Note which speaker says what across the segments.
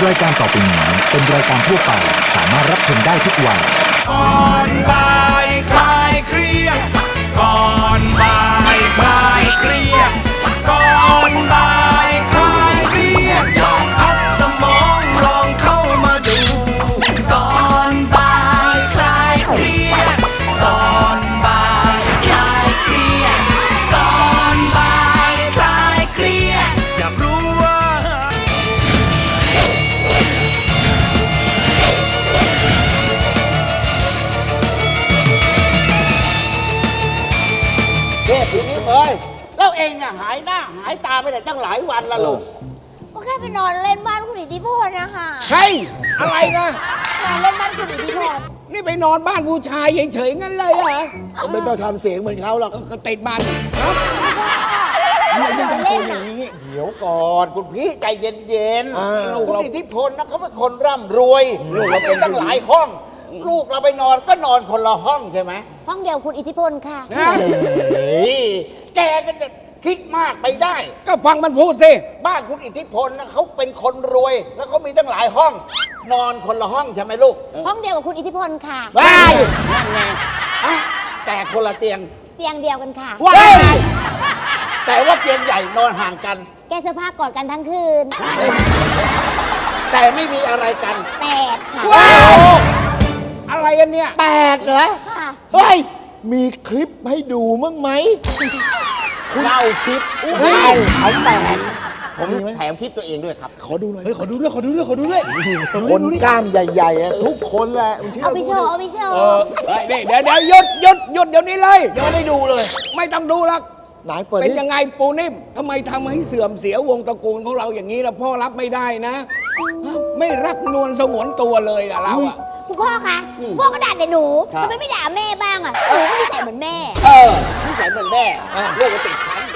Speaker 1: รายการต่อไปนี้เป็นรายการทั่วไปสามารถรับชมได้ทุกวัย
Speaker 2: ก่อนบ่ายคลายเครียดก่อนบ่ายคลายเครียดก่อนบ่ายคลายเครียดลองพักสมองลองเข้ามาดูก่อนบ่ายคลายเครียดก่อนบ่ายคลายเครียดก่อนบ่ายคลายเครียดอยากรู้ว่า
Speaker 3: เด็กทีนี้เอ้ยแล้วเองน่ะหายหน้าหายตาไปไหนตั้งหลายวันละลูก
Speaker 4: ก็แค่ไปนอนเล่นบ้านคุณอิทธิพลนะคะ
Speaker 3: ใช่อะไรนะ
Speaker 4: นอนเล่นบ้านคุณอิทธิพล
Speaker 3: นี่ไปนอนบ้านผู้ชายเฉยๆงั้นเลยเหรอ
Speaker 5: ไม่ต้องทำเสียงเหมือนเขาหรอก
Speaker 3: ก็ติดบ้าน
Speaker 4: นอนเล่นน่ะ
Speaker 3: เดี๋ยวก่อนคุณพี่ใจเย็น
Speaker 5: อ่า
Speaker 3: ๆคุณอิทธิพลนะเขาเป็นคนร่ำรวยลูกเราเป็นตั้งหลายห้อง ลูกเราไปนอนก็นอนคนละห้องใช่ไหม
Speaker 4: ห้องเดียวคุณอิทธิพลค่ะ
Speaker 3: นะเฮ้ยแกก็จะคิดมากไปได้
Speaker 5: ก็ฟังมันพูดสิ
Speaker 3: บ้านคุณอิทธิพลนะเขาเป็นคนรวย แล้วเขามีตั้งหลายห้อง นอนคนละห้องใช่ไหมลูก
Speaker 4: ห้องเดียวกับคุณอิทธิพลค่ะ
Speaker 3: ว้ายนั่นไงอ่ะแต่คนละเตียง
Speaker 4: เตียงเดียวกันค่ะ
Speaker 3: ว้ายแต่ว่าเตียงใหญ่นอนห่างกัน
Speaker 4: แกเสื้อผ้ากอดกันทั้งคืน
Speaker 3: แต่ไม่มีอะไรกัน
Speaker 4: แตกค่ะ
Speaker 3: ว้าว
Speaker 5: อะไรอันเนี้ย
Speaker 3: แปลกเหรอ
Speaker 4: ค่ะ
Speaker 3: เฮ้ย
Speaker 5: มีคลิปให้ดูมั้งไหม
Speaker 3: เล่าคลิปเขาแปลก
Speaker 5: ผมมีไหม
Speaker 3: แถมคลิปตัวเองด้วยครับ
Speaker 5: ขอดูหน่อย
Speaker 3: เฮ้ยขอดูด้วยขอดูด้วยขอดูด้วย
Speaker 5: คนกล้ามใหญ่ๆอะทุกคนแหละมึงชื่
Speaker 4: เอาไปโชว์ เอาไปโชว์
Speaker 3: เดี๋ยวหยุดเดี๋ยวนี้เลยเดี๋ยวได้ดูเลย ไม่ต้องดูหรอก
Speaker 5: ไหนเปิด
Speaker 3: เป็น
Speaker 5: ดิ
Speaker 3: ยังไงปูนิ่มทำไมทำให้เสื่อมเสียวงตระกูลของเราอย่างนี้ล่ะพ่อรับไม่ได้นะ ไม่รักนวลสงวนตัวเลยล่ะเราอะ
Speaker 4: คุณพ่อคะพ่อก็ด่าแต่หนูทำไมไม่ด่าแม่บ้างอ่ะหนูก็นิสัยเหมือนแม่
Speaker 3: นิสัยเหมือนแม่ลูกก็ติดฉัน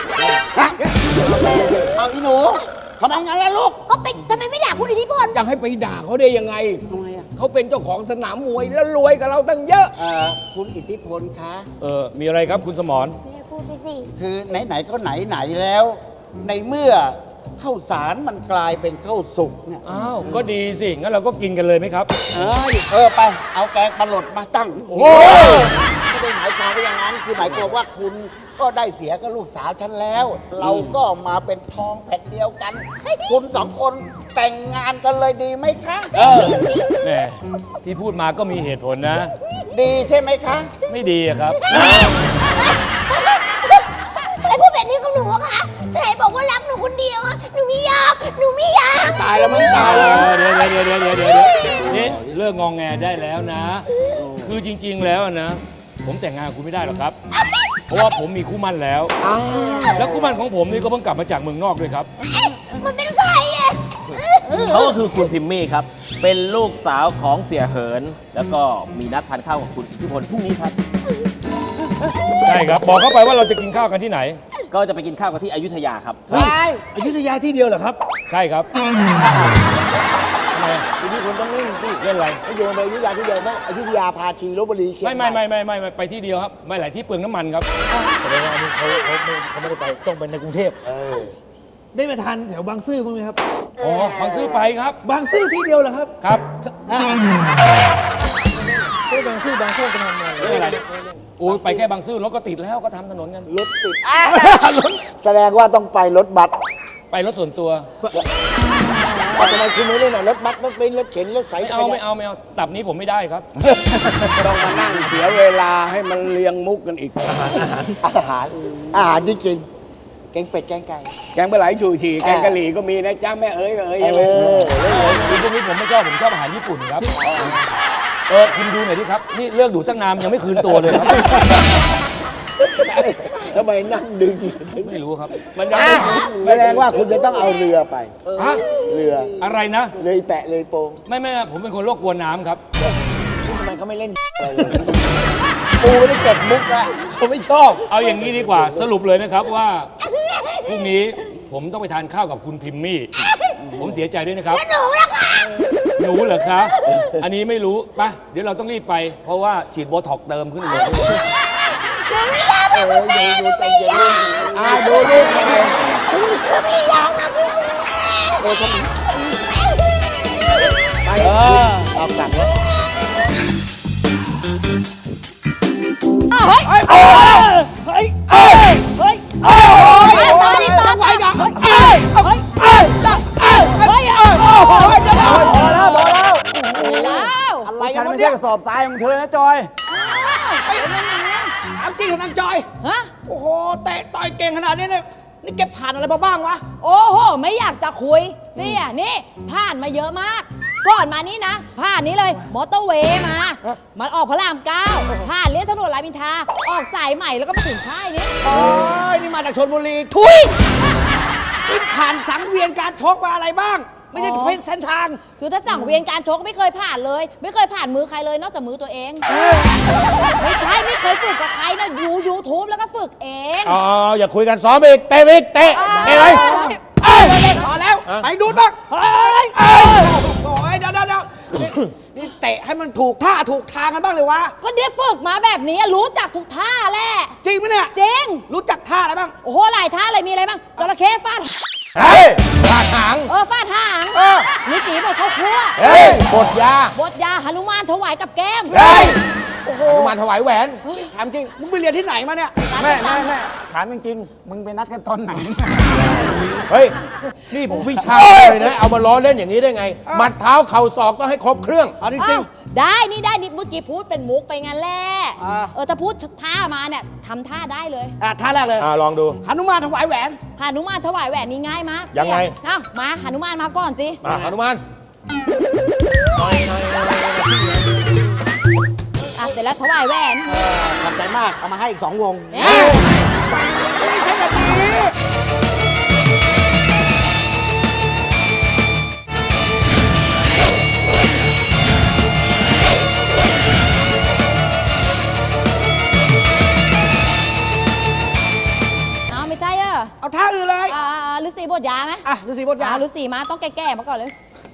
Speaker 3: เอาอีหนูทำไมงั้นล่ะลูก
Speaker 4: ก็เป็นทำไมไม่ด่าคุณอิทธิพล
Speaker 3: จะให้ไปด่าเขาได้ยังไง
Speaker 5: ทำไมอะ
Speaker 3: เขาเป็นเจ้าของสนามมวยแล้วรวยกับเราตั้งเยอะ
Speaker 6: คุณอิทธิพลคะ
Speaker 7: มีอะไรครับคุณสมร
Speaker 4: แม่พูดไปสิ
Speaker 6: คือไหนๆก็ไหนๆแล้ว ในเมื่อข้าวสารมันกลายเป็นข้าวสุกเนี่ย
Speaker 7: อ้าว ก็ดีสิ งั้นเราก็กินกันเลยไหมครับ
Speaker 6: ไปเอาแกงปลาหลดมาตั้ง
Speaker 7: โอ้
Speaker 6: ไม่ได้หมายความว่าอย่างนั้นคือหมายความว่าคุณก็ได้เสียกับลูกสาวฉันแล้ว เราก็มาเป็นทองแผ่นเดียวกัน คุณสองคนแต่งงานกันเลยดีไหมคะ
Speaker 7: แหมที่พูดมาก็มีเหตุผลนะ
Speaker 6: ดีใช่ไหมคะ
Speaker 7: ไม่ดีอะครับ
Speaker 4: ทำไมพูดแบบนี้กับหนูอะคะทำไมบอกว่ารักหนูคนเดียวอะหนูไม่ยอมหนูไม่ยอม
Speaker 3: ตายแล้วมั้งตายแล้ว
Speaker 7: เดี๋ยวนี่เลิกงองแงได้แล้วนะ คือจริง ๆ แล้วนะ ผมแต่งงานกับคุณไม่ได้หรอกครับ เพราะว่าผมมีคู่หมั่นแล้ว แล้วคู่หมั่นของผมนี่ก็เพิ่งกลับมาจากเมืองนอกด้วยครับ
Speaker 4: มันเป็นใครอะ
Speaker 8: เขาก็คือคุณพิมมี่ครับ เป็นลูกสาวของเสียเหิน แล้วก็มีนัดทานข้าวกับคุณอิทธิพลพรุ่งนี้ครับ
Speaker 7: ใช่ครับ บอกเข้าไปว่าเราจะกินข้าวกันที่ไหน
Speaker 8: ก็จะไปกินข้าวกันที่อยุธยาครับ
Speaker 7: อยุธยาที่เดียวเหรอครับ ใช่ครับทำไม
Speaker 5: ทีนี้คุณต้องนิ่งสิ
Speaker 7: เล่นอะไร
Speaker 5: ไม่โยนไปอยุธยาที่เดียวไหมอยุธยาพาชีลบบุรีเชียง
Speaker 7: ไม่
Speaker 5: ใหม่
Speaker 7: ไปที่เดียวครับ ไม่หลายที่เปลืองน้ำมันครับ
Speaker 9: แสดงว่าอันนี้เขาไม่ได้ไปต้องไปในกรุงเทพได้มาทานแถวบางซื่อบ้างไหมครับ
Speaker 7: อ๋อบางซื้อไปครับ
Speaker 9: บางซื่อที่เดียวเหรอครับ
Speaker 7: ครับ
Speaker 9: ก็บางซื่อบางซ่อกันทำงาน
Speaker 7: ไม่เป็นไรโอ้ยไปแค่บางซื่อรถก็ติดแล้วก็ทำถนนกัน
Speaker 5: รถติดแสดงว่าต้องไปรถบัส
Speaker 7: ไปรถส่วนตัว
Speaker 5: ทำไมคุณไม่เล่นอะรถบัสรถเบนซ์รถเข็นรถสาย
Speaker 7: ไม่เอาตับนี้ผมไม่ได้ครับ
Speaker 3: ต้องมานั่งเสียเวลาให้มันเลียงมุกกันอีก
Speaker 5: อาหารที่กินแกงเป็ดแกงไก่
Speaker 3: แกงปลาไหลชูชีแกงกะหรี่ก็มีนะจ้าแม่เอ๋ยใช่ไหม
Speaker 7: คือพวกนี้ผมไม่ชอบผมชอบอาหารญี่ปุ่นครับ คุณดูหน่อยดิครับ นี่เลิกดูตั้งนานยังไม่คืนตัวเลยครับ
Speaker 5: ทำไมนั่งดึง
Speaker 7: ไม่รู้ครับ
Speaker 3: มันยัง
Speaker 5: แสดงว่าคุณจะต้องเอาเรือไป
Speaker 7: ฮะ
Speaker 5: เรือ
Speaker 7: อะไรนะ
Speaker 5: เลยแปะเลยโปง
Speaker 7: ไม่ผมเป็นคนโลกกลัวน้ำครับ
Speaker 5: ทำไมเขาไม่เล่นอะไรเลยปูไม่ได้เก็บมุกอะเขาไม่ชอบ
Speaker 7: เอาอย่างนี้ดีกว่าสรุปเลยนะครับว่าพรุ่งนี้ผมต้องไปทานข้าวกับคุณพิมมี่ ผมเสียใจด้วยนะครับ
Speaker 4: หนูละค่ะ
Speaker 7: หนูเหรอคะ อันนี้ไม่รู้ไปเดี๋ยวเราต้องรีบไป เพราะว่าฉีดโบท็อกซ์เติมขึ้นเลย
Speaker 4: หนูไม่ยอมนะคุณแม่หนูไม่ยอม
Speaker 3: ดูลูกหน่อย
Speaker 4: หนูไม่ยอมนะคุณแม่
Speaker 6: เอากลับแล้ว
Speaker 4: เฮ้ย
Speaker 9: เฮ้ยเฮ้ยเฮ้ยเฮ้ย
Speaker 4: ตอนนี้ตอน
Speaker 3: ไว้ยัง
Speaker 9: เฮ้ยเฮ้ยเฮ้ยเฮ้ยพอแล้วพอแล้ว
Speaker 4: แล้ว
Speaker 3: อะไร
Speaker 9: ฉั
Speaker 3: กัน
Speaker 9: น
Speaker 3: วะ
Speaker 9: ไม่
Speaker 3: เนี่
Speaker 9: ใช่
Speaker 3: ย
Speaker 9: กระสอบทรายของเธอนะจอย
Speaker 3: ถามจริงเหรอนางจอย
Speaker 4: ฮะ
Speaker 3: โอ้โหเตะต่อยเก่งขนาดนี้เนี่ยนี่แกผ่านอะไรมาบ้างวะ
Speaker 10: โอ้โห ไม่อยากจะคุยเสียนี่ ผ่านมาเยอะมาก ก่อนมานี่นะ ผ่านนี้เลย มอเตอร์เวย์มา มันออกพระรามเก้าผ่านเลียนถนนรามอินทราออกสายใหม่แล้วก็มาถึงค่ายนี้
Speaker 3: โอ้ยนี่มาจากชลบุรี ทุยนี่ผ่านสังเวียนการชกมาอะไรบ้าง ไม่ใช่เป็นเส้นทาง
Speaker 10: คือถ้าสั่งเวียนการชกไม่เคยผ่านเลย ไม่เคยผ่านมือใครเลยนอกจากมือตัวเอง ไม่ใช่ไม่เคยฝึกกับใครนะยูทูบแล้วก็ฝึกเอง
Speaker 5: อ๋ออย่าคุยกันซ้อมอีกเตะอีกเตะเตะเลย
Speaker 3: พอแล้ว ไปดูดบ้างโอ้ยเดี๋ยวนี่เตะให้มันถูกท่าถูกทางกันบ้างเลยวะ
Speaker 10: ก็เดี๋ยวฝึกมาแบบนี้รู้จักทุกท่าแหละ
Speaker 3: จริงไหมเนี่ย
Speaker 10: จริง
Speaker 3: รู้จักท่าอะไรบ้าง
Speaker 10: โอ้โหหลายท่าเลยมีอะไรบ้างจระเข้ฟาด
Speaker 5: เฮ้ยปาดหาง
Speaker 10: ฟาดหางฤาษีบอกเขาคั่ว
Speaker 5: เฮ้ยบทยา
Speaker 10: บทยาหนุมานถวายกับแก้ม
Speaker 5: เฮ้ยหนุมานถวายแหวน
Speaker 3: ถามจริง มึงไปเรียนที่ไหนมาเนี่ย
Speaker 9: แม่ถามจริงๆมึงไปนัดกันตอนไหน
Speaker 5: เฮ้ย นี่ผมวิชาเลยนะ เอามาล้อเล่นอย่างนี้ได้ไง หมัดเท้าเข่าศอกต้องให้ครบเครื่อง
Speaker 3: เอาจริง
Speaker 10: อ้าวได้นี่ได้นี่เมื่อกี้พูดเป็นมุกไปงั้นแหละ
Speaker 3: อ่า
Speaker 10: ถ้าพูดท่ามาเนี่ยทำท่าได้เลย
Speaker 3: ท่าแรกเลย
Speaker 5: ลองดู
Speaker 3: หนุมานถวายแหวน
Speaker 10: หนุมานถวายแหวนนี่ง่ายมาก
Speaker 5: ยังไง
Speaker 10: เอ้ามาหนุมานมาก่อนสิ
Speaker 5: มาหนุมาน
Speaker 10: เสร็จแล้วถวายแหวน
Speaker 3: ขอบใจมาก เอามาให้อีก 2 วง
Speaker 10: เอ๊ะ
Speaker 3: ไม่ใช่แบบนี้
Speaker 10: เอาไม่ใช่เหรอ
Speaker 3: เอาท่าอื่นเลย
Speaker 10: ฤาษีบทยาไหม
Speaker 3: ฤาษีบทยา
Speaker 10: ฤาษีมาต้องแก่ๆมาก่อนเลย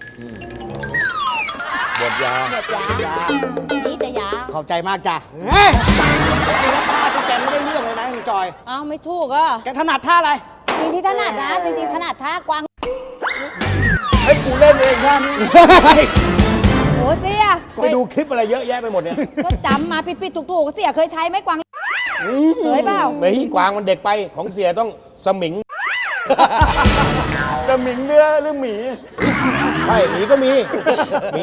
Speaker 5: บทยา
Speaker 10: บทยานี่จะยา
Speaker 3: ขอบใจมากจ้ะเฮ้ยจริงๆแล้วท่าที่แกไม่ได้เรื่องเลยนะคุณจอย
Speaker 10: เอ้าไม่ถูกอ่ะ
Speaker 3: แกถนัดท่าอะไร
Speaker 10: จริงที่ถนัดนะจริงๆถนัดท่ากวาง
Speaker 9: ให้กูเล่นเองท่านี้
Speaker 10: โอ้เสีย
Speaker 5: ไปดูคลิปอะไรเยอะแยะไปหมดเนี่ย
Speaker 10: ก็จำมาผิดๆถูกๆเสียเคยใช้ไหมกวางเคยเปล่า
Speaker 5: ไม่กวางมันเด็กไปของเสียต้องสมิง
Speaker 9: จะหมิงเนื้อหรือหมี
Speaker 5: ใช่หมีก็มีหมี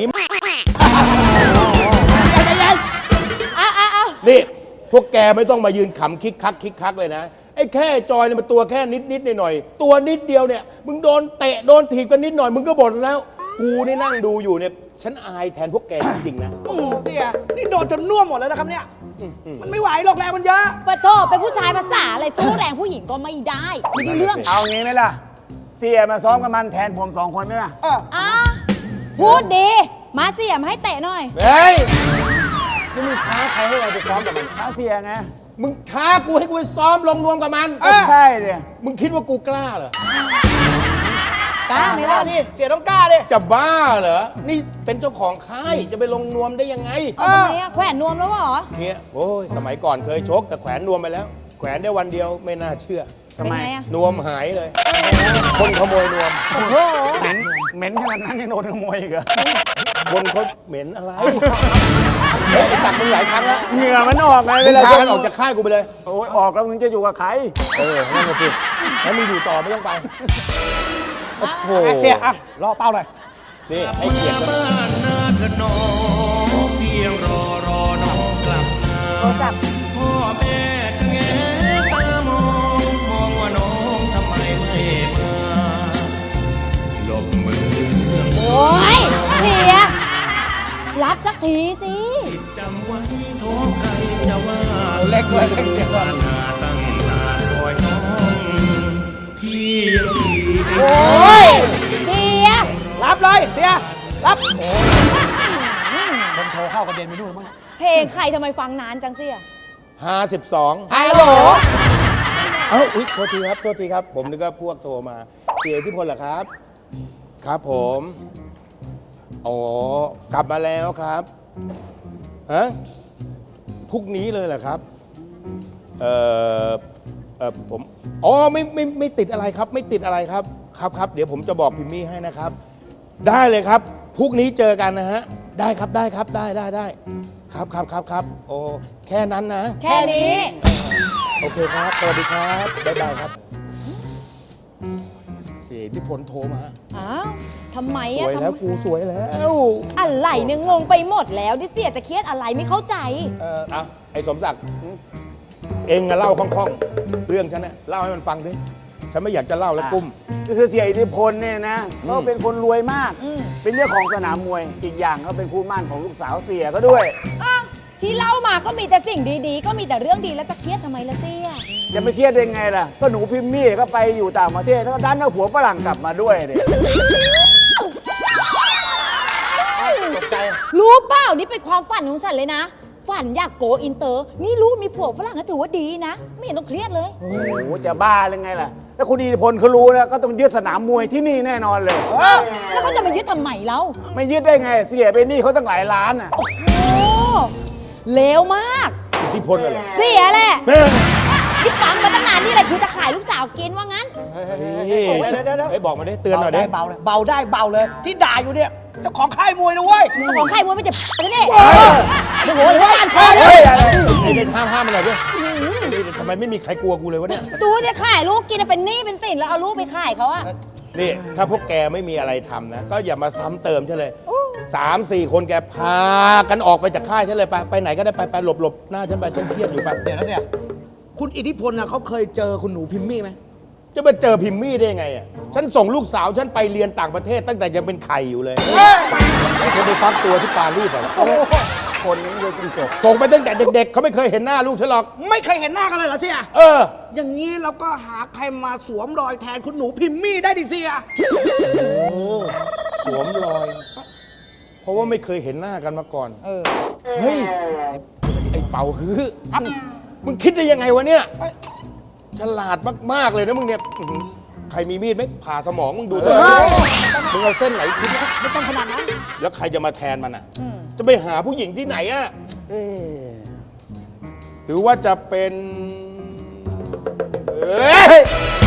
Speaker 5: นี่ พวกแกไม่ต้องมายืนขำคิกคักเลยนะ ไอ้แค่จอยเนี่ยมันตัวแค่นิดหน่อยๆตัวนิดเดียวเนี่ย มึงโดนเตะโดนถีบกันนิดหน่อย มึงก็บ่นแล้ว กูนี่นั่งดูอยู่เนี่ย ฉันอายแทนพวกแกจริงๆนะ
Speaker 3: โอ้โหเสีย นี่โดนจนน่วมหมดแล้วนะครับเนี่ย มันไม่ไหวหรอกแรงมันเยอะ
Speaker 10: ปะโทเป็นผู้ชายภาษาอะไรสู้แรงผู้หญิงก็ไม่ได้ไม่ได้เรื่อง
Speaker 9: เอางี้ไหมล่ะ เสียมาซ้อมกับมันแทนผม2 คนไหมล่ะ
Speaker 10: อ่ะพูดดี มาเสียมให้เตะหน่อย
Speaker 5: เฮ้ย นี่มึงท้าใครให้เราไปซ้อมกับมัน
Speaker 9: ถ้าเสียไง
Speaker 5: มึงท้ากูให้กูไปซ้อมลงนวมกับมัน
Speaker 9: ก็ใช่เลย
Speaker 5: มึงคิดว่ากูกล้าเหรอ
Speaker 10: กล้าไหม
Speaker 3: กล้า
Speaker 10: ล่ะ
Speaker 3: ดิเสียต้องกล้าดิ
Speaker 5: จะบ้าเหรอ นี่เป็นเจ้าของค่ายจะไปลงนวมได้ยังไง
Speaker 10: เอาทำไมอะแขวนนวมแล้วเหรอ
Speaker 5: เนี่ยโอ้ยสมัยก่อนเคยชกแต่แขวนนวมไปแล้ว แขวนได้วันเดียวไม่น่าเชื่อ
Speaker 10: เป็นไงอะ
Speaker 5: นวมหายเลย คนขโมยนวม
Speaker 10: โอ้โห
Speaker 9: เหม็นขนาดนั้นยังโดนขโมยอีกเหรอ
Speaker 5: คนเขาเหม็นอะไรเฮ้ยไอ้ตักมึงหลายครั้งแล้ว
Speaker 9: เหงื่อมันออกไง
Speaker 5: มึ
Speaker 9: เว
Speaker 5: ง
Speaker 9: ลา
Speaker 5: พากันออกจากค่ายกูไปเลย
Speaker 9: โอ้ยออกแล้วมึงจะอยู่กับใคร
Speaker 5: นั่นแหละสิแล้วมึงอยู่ต่อไม่ต้องไปโอ้โห
Speaker 3: เสีย รอเป้าหน่อย
Speaker 5: นี่ให้เกียรติกัน
Speaker 2: บ้านนาขนมเพียงรอน้องกลับมา
Speaker 10: โทรศัพท์
Speaker 2: พ่อแม่จะแงตามองว่าน้องทำไมไม่มาหลบมือ
Speaker 10: โอ้ยเสีย รับสักทีสิ
Speaker 2: จำไว้โทษใครจะว่า
Speaker 3: เล็กด้วยเล็กเสียงก่อน
Speaker 2: นาตั้งนานคอยน้องพี่ยังดี
Speaker 10: โอ้ยเสีย
Speaker 3: รับเลยเสีย รับคนโทรเข้ากระเด็นไปนู่นมั้ง
Speaker 10: เพลงใครทำไมฟังนานจังเสีย
Speaker 5: 52
Speaker 3: ฮัลโหล
Speaker 5: เอ้าอุ๊ยโทษทีครับ ผมนึกว่าพวกโทรมาเสียที่พลเหรอครับ ครับผมอ๋อกลับมาแล้วครับฮะพรุ่งนี้เลยเหรอครับผมอ๋อไม่ติดอะไรครับ ไม่ติดอะไรครับครับ เดี๋ยวผมจะบอกพิมมี่ให้นะครับได้เลยครับพรุ่งนี้เจอกันนะฮะ ได้ครับได้ครับได้ครับโอ้แค่นั้นนะ
Speaker 10: แค่นี้
Speaker 5: โอเคครับสวัสดีครับบ๊ายบายครับ เสียอิทธิพลโทรมา
Speaker 10: อ้าวทำไม
Speaker 5: ส
Speaker 10: อะ
Speaker 5: วยแล้วกูสวยแล้ว
Speaker 10: อะไรเนี่ยงงไปหมดแล้วดิเสียจะเครียดอะไรไม่เข้าใจ
Speaker 5: เอาไอ้สมศักดิ์เองอะเล่าคล่องๆเรื่องฉันเนี่ยเล่าให้มันฟังดิฉันไม่อยากจะเล่าแล้วกุ้ม
Speaker 11: ก็คือเสียอิทธิพลเนี่ยนะเขาเป็นคนรวยมาก
Speaker 10: อืม
Speaker 11: เป็นเจ้าของสนามมวย อีกอย่างเขาเป็นคู่หมั่นของลูกสาวเสียก็ด้วย
Speaker 10: อ่ะที่เล่ามาก็มีแต่สิ่งดีๆ ก็มีแต่เรื่องดีแล้วจะเครียดทำไมล่ะเสีย
Speaker 11: จะไม่เครียดได้ไงล่ะ ก็หนูพิมมี่ก็ไปอยู่ต่างประเทศแล้วก็ดันเอาผัวฝรั่งกลับมาด้วยเนี่ย
Speaker 3: ตกใจ
Speaker 10: รู้เปล่านี่เป็นความฝันของฉันเลยนะ ฝันอยากโกอินเตอร์ นี่รู้มีผัวฝรั่งนะถือว่าดีนะ ไม่เห็นต้องเครียดเลย
Speaker 11: โอ้โหจะบ้าหรือไงล่ะ ถ้าคุณอิทธิพลเขารู้นะก็ต้องยึดสนามมวยที่นี่แน่นอนเลย
Speaker 10: แล้วเขาจะมายึดทำไมเรา
Speaker 11: ไม่ยึดได้ไง เสียไปนี่เขาตั้งหลายล้านอ่ะ
Speaker 10: โอ้โหเลวมาก
Speaker 5: อิทธิพลอะไร
Speaker 10: เสียแหละ
Speaker 5: เฮ้ย
Speaker 10: ที่ฟังมาตั้งนานนี่แหละคือจะขายลูกสาวกินว่างั้น
Speaker 3: เดี๋ยว
Speaker 5: เฮ้ยบอกมาดิเตือนหน่อยดิ
Speaker 3: เบาเลยเบาได้เบาเลย ที่ด่าอยู่เนี่ยเจ้าของค่ายมวยนะเว้ย
Speaker 10: เจ้าของค่ายมวยไม่จะจะนี่โอ้โหจะบ้านคอ
Speaker 5: เฮ้ยไอ้เด็กห้ามมันหน่อยดิทำไมไม่มีใครกลัวกูเลยวะเนี่ย
Speaker 10: ดูจะขายลูกกินเป็นหนี้เป็นสินแล้วเอาลูกไปขายเขาอะ
Speaker 5: นี่ถ้าพวกแกไม่มีอะไรทำนะ ก็อย่ามาซ้ำเติมฉันเลย3-4 คนแกพากันออกไปจากค่ายฉันเลยไปไหนก็ได้ไปหลบหน้าฉันไปฉันเครียดอยู่ไป
Speaker 3: เดี๋ยวนะเสียคุณอิทธิพลนะเขาเคยเจอคุณหนูพิมมี่ไหม
Speaker 5: จะไปเจอพิมมี่ได้ไงอ่ะฉันส่งลูกสาวฉันไปเรียนต่างประเทศตั้งแต่ยังเป็นไข่อยู่เลยให้เธอไปฟักตัวที่ปารีสอ่ะ
Speaker 11: คนนี้เลยจริงจบ
Speaker 5: ส่งไปตั้งแต่เด็กๆเขาไม่เคยเห็นหน้าลูกฉันหรอก
Speaker 3: ไม่เคยเห็นหน้ากันเลยเหรอเสีย อย่างนี้เราก็หาใครมาสวมรอยแทนคุณหนูพิมมี่ได้ดิเสีย
Speaker 5: สวมรอย เพราะว่าไม่เคยเห็นหน้ากันมาก่อน
Speaker 10: เออ
Speaker 5: เฮ้ย ไอ้เป่าฮื้อมึงคิดได้ยังไงวะเนี่ย ฉลาดมาก ๆ เลยนะมึงเนี่ยอื้อหือใครมีมีดไหมผ่าสมองมึงดูสิมึงเอาเส้นไหนคิด
Speaker 3: ไม่ต้องขนาดนั้น
Speaker 5: แล้วใครจะมาแทนมันอ่ะ จะไปหาผู้หญิงที่ไหนอ่ะหรือว่าจะเป็นเอ้ย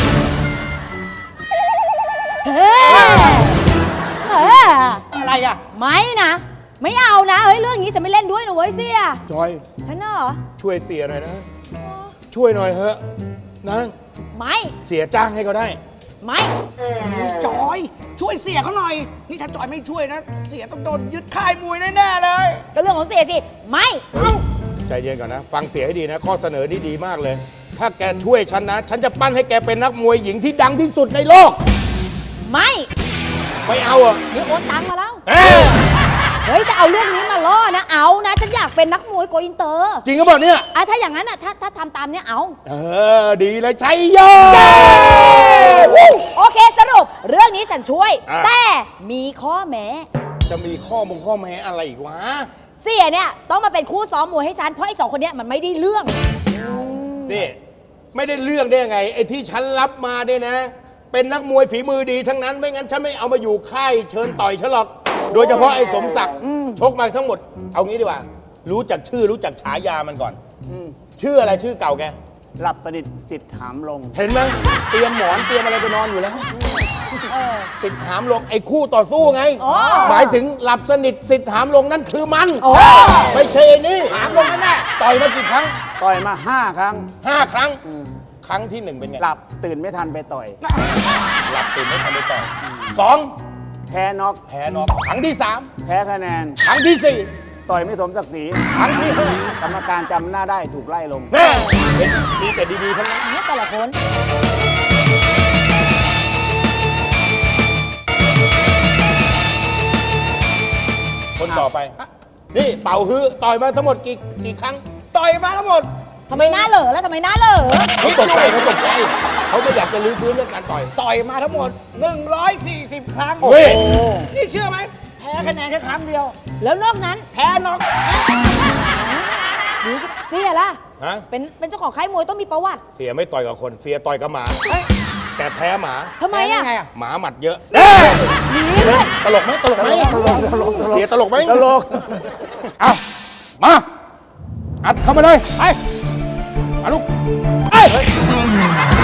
Speaker 3: อะไรอ่ะ
Speaker 10: ไม่นะ ไม่เอานะเฮ้ยเรื่องนี้ฉันไม่เล่นด้วยนะเว้ยเสีย
Speaker 5: จอย
Speaker 10: ฉันน่ะเหรอ
Speaker 5: ช่วยเสียหน่อยนะ ช่วยหน่อยเถอะนะ
Speaker 10: ไม่
Speaker 5: เสียจ้างให้ก็ได้
Speaker 10: ไม่
Speaker 3: จอย ช่วยเสียเขาหน่อย นี่ถ้าจอยไม่ช่วยนะ เสียต้องโดนยึดค่ายมวยแน่ๆเลย
Speaker 10: ก็เรื่องของเสียสิไม่
Speaker 5: ใจเย็นก่อนนะ ฟังเสียให้ดีนะ ข้อเสนอนี้ดีมากเลย ถ้าแกช่วยฉันนะ ฉันจะปั้นให้แกเป็นนักมวยหญิงที่ดังที่สุดในโลก
Speaker 10: ไม่
Speaker 5: ไม่เอาอ่ะ
Speaker 10: นี่โอนตังค์มาแล้ว
Speaker 5: เอ้ย
Speaker 10: เฮ้ยจะเอาเรื่องนี้มาล่อนะเอานะฉันอยากเป็นนักมวยโกอินเตอร์
Speaker 5: จริงก็บอกเนี่ย
Speaker 10: ถ้าอย่างนั้นอ่ะถ้าทำตามเนี้ยเอา
Speaker 5: ดีเลยชัยโย
Speaker 10: โอเคสรุปเรื่องนี้ฉันช่วย
Speaker 5: อ่ะ
Speaker 10: แต่มีข้อแม้
Speaker 5: จะมีข้อแม้อะไรอีกวะ
Speaker 10: เสียเนี่ยต้องมาเป็นคู่ซ้อมมวยให้ฉันเพราะไอ้สองคนเนี้ยมันไม่ได้เรื่อง
Speaker 5: นี่ไม่ได้เรื่องได้ยังไงไอ้ที่ฉันรับมาเนี่ยนะ เป็นนักมวยฝีมือดีทั้งนั้น ไม่งั้นฉันไม่เอามาอยู่ค่ายเชิญต่อยฉันหรอก โดยเฉพาะไอ้สมศักดิ์ชกมาทั้งหมด เอางี้ดีกว่า รู้จักชื่อรู้จักฉายามันก่อนชื่ออะไรชื่อเก่าแก
Speaker 11: หลับสนิทสิทธิ์ถามลง
Speaker 5: เห็นไหมเตรียมหมอนเตรียมอะไรไปนอนอยู่แล้วสิทธิ์หามลงไอ้คู่ต่อสู้ไง
Speaker 10: อ๋อ
Speaker 5: หมายถึงหลับสนิทสิทธิ์หามลงนั่นคือมันไม่ใช่ไอ้นี่
Speaker 3: ถามลงแน่
Speaker 5: ต่อยมากี่ครั้ง
Speaker 11: ต่อยมา 5 ครั้ง
Speaker 5: 5 ครั้ง ครั้งที่ 1 เป็นไง
Speaker 11: หลับตื่นไม่ทันไปต่อย
Speaker 5: หลับตื่นไม่ทันได้ต่อย2
Speaker 11: แพ้น็อก
Speaker 5: แพ้น็อกครั้งที่
Speaker 11: แพ้คะแนน
Speaker 5: 3 ครั้งที่
Speaker 11: ต่อยไม่สมศักดิ์ศรี
Speaker 5: 4 ครั้งที่
Speaker 11: กรรมการจำหน้าได้ถูกไล่ลง
Speaker 5: 5แม่เห็นมีแต่ดีๆทั้งนั้น
Speaker 10: เนี่ยแต่ละคน
Speaker 5: คนต่อไป นี่เป่าฮื้อต่อยมาทั้งหมดกี่ครั้ง
Speaker 3: ๆ ต่อยมาทั้งหมด
Speaker 10: ทำไมหน้าเหลอแล้วทำไมหน้าเหลอ
Speaker 5: เขาตกใจเขาไม่อยากจะลื้อฟื้นเรื่องการต่อย
Speaker 3: ต่อยมาทั้งหมด 140 ครั้ง
Speaker 5: เฮ้ย
Speaker 3: นี่เชื่อไหม แพ้คะแนนแค่ครั้งเดียว
Speaker 10: แล้วนอกนั้น
Speaker 3: แพ้น็อก
Speaker 10: ดูสิเสียล่ะ
Speaker 5: ฮะ
Speaker 10: เป็นเจ้าของค่ายมวยต้องมีประวัติ
Speaker 5: เสียไม่ต่อยกับคน เสียต่อยกับหมา แต่แพ้หมา
Speaker 10: ทำไมอ่ะ
Speaker 3: แพ้ได้ไงอะ
Speaker 5: หมาหมัดเยอะ
Speaker 10: หนีเลย
Speaker 5: ตลกไหมตลกไหมเสียตลกไหม
Speaker 11: ตลก
Speaker 5: เอามา อัดเข้ามาเลยไปมาลูกเอ้ย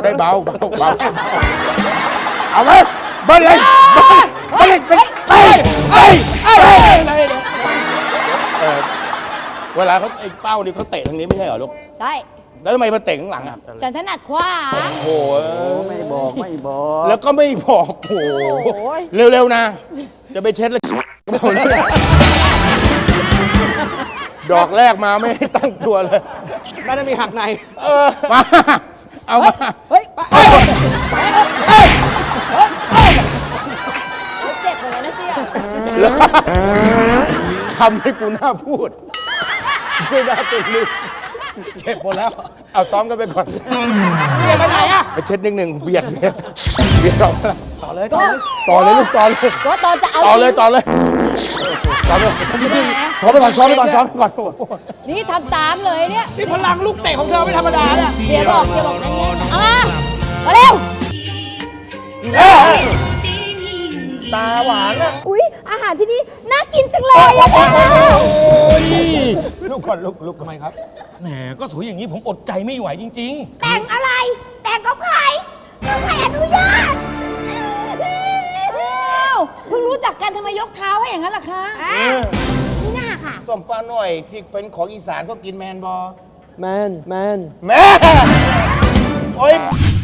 Speaker 5: ได้เบาเบาเบาเอาไหมเบิ้ลเลยเบิ้ลเลยเวลาเขาไอ้เป้านี่เขาเตะทางนี้ไม่ใช่เหรอลูก
Speaker 10: ใช่
Speaker 5: แล้วทำไมมาเตะข้างหลังอ่ะ
Speaker 10: ฉันถนัดขวา
Speaker 5: โอ้โห
Speaker 11: ไม่บอกไม่บอก
Speaker 5: แล้วก็ไม่บอกโอ้โห
Speaker 10: โอ้ย
Speaker 5: เร็วๆนะ จะไปเช็ดแล้วดอกแรกมาไม่ให้ตั้งตัวเลย
Speaker 3: น่าจะมีหักใน
Speaker 5: มาเอามา
Speaker 10: เฮ้ยเจ็บเหมือนกันนะเสีย
Speaker 5: แล้วทำให้กูน่าพูด ไม่น่าเป็นลึก
Speaker 3: เจ็บหมดแล้ว
Speaker 5: เอาซ้อมกันไปก่อน
Speaker 3: เสียไปไหนอะ
Speaker 5: ไปเช็ดนิดนึงเบียดออกมา
Speaker 3: ต่อเลย
Speaker 10: ก็
Speaker 5: ต่อเลยลูกต่อเลย
Speaker 10: ก็ตอนจะเอา
Speaker 5: ต่อเลย
Speaker 10: จริง
Speaker 5: ต่อเลยต่อเลย
Speaker 10: แหม
Speaker 5: ซ้อมไปก่อนซ้อมไปก่อนซ้อมไปก่อน
Speaker 10: นี่ทำตามเลยเนี่ย
Speaker 3: นี่พลังลูกเตะของเธอไม่ธรรมดาเนี่ย
Speaker 10: เสียบอกแน่นๆเอามาเร็ว
Speaker 7: ตาหวานอะ
Speaker 4: อุ๊ย อาหารที่นี่น่ากินจังเลยอะค่ะ
Speaker 5: ลูกก่อนลูก
Speaker 7: ทำไมครับ แหม ก็สวยอย่างนี้ผมอดใจไม่ไหวจริง
Speaker 4: แต่งอะไร แต่งกับใครใครอนุญาต
Speaker 10: อ้าวเพิ่งรู้จักกันทำไมยกเท้าให้อย่างนั้นล่ะคะ
Speaker 4: นี่น่าค่ะ
Speaker 5: ส้มปลาหน่อยที่เป็นของอีสานก็กินแมนบอ
Speaker 11: แมน
Speaker 5: แม่โอ้ย